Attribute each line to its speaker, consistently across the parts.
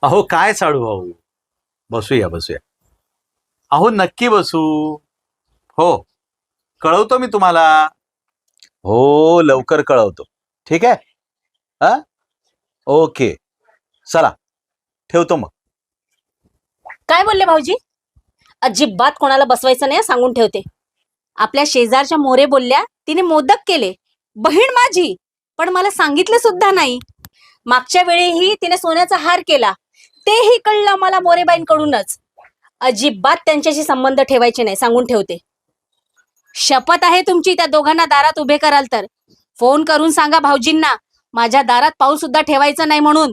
Speaker 1: अहो काय साडू भाऊ, बसूया बसूया. अहो नक्की बसू. हो, कळवतो मी तुम्हाला. हो, लवकर कळवतो. ठीक आहे. हा, ओके. चला, ठेवतो मग.
Speaker 2: काय बोलले भाऊजी? अजिबात कोणाला बसवायचं नाही सांगून ठेवते. आपल्या शेजारच्या मोरे बोलल्या तिने मोदक केले, बहीण माझी, पण मला सांगितलं सुद्धा नाही. मागच्या वेळेही तिने सोन्याचा हार केला, तेही कळलं मला मोरेबाईंकडूनच. अजिबात त्यांच्याशी संबंध ठेवायचे नाही सांगून ठेवते. शपथ आहे तुमची त्या दोघांना दारात उभे कराल तर फोन करून सांगा भाऊजींना माझ्या दारात पाऊल सुद्धा ठेवायचं नाही म्हणून.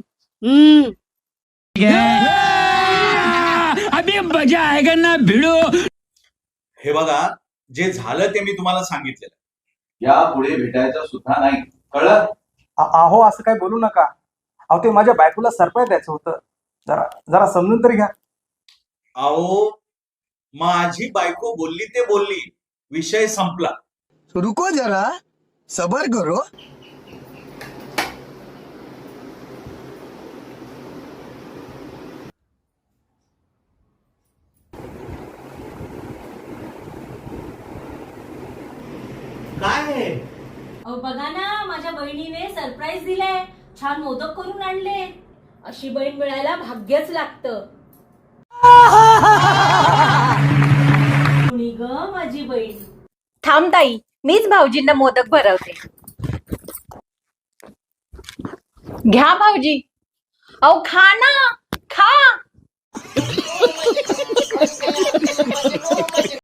Speaker 3: अभी मजा आएगा ना भिडो.
Speaker 1: हे बघा, जे झालं ते मी तुम्हाला सांगितलेलं. यापुढे भेटायचं सुद्धा नाही, कळलं?
Speaker 4: अहो असं काय बोलू नका. अहो ते माझ्या बायकोला सरप्राईज द्यायचं होतं. जरा जरा समजून तरी घ्या.
Speaker 1: अहो, माझी बायको बोलली ते बोलली, विषय संपला.
Speaker 5: रुको जरा, सबर करो.
Speaker 1: काय?
Speaker 2: अहो बघा ना, माझ्या बहिणीने सरप्राईज दिलाय. छान मोदक करून आणले. अशी बहीण मिळायला भाग्यच लागतं. कुणी ग माझी बहीण.
Speaker 6: थांब ताई, मीच भाऊजींना मोदक भरवते. घ्या भाऊजी. अहो खा ना, खा.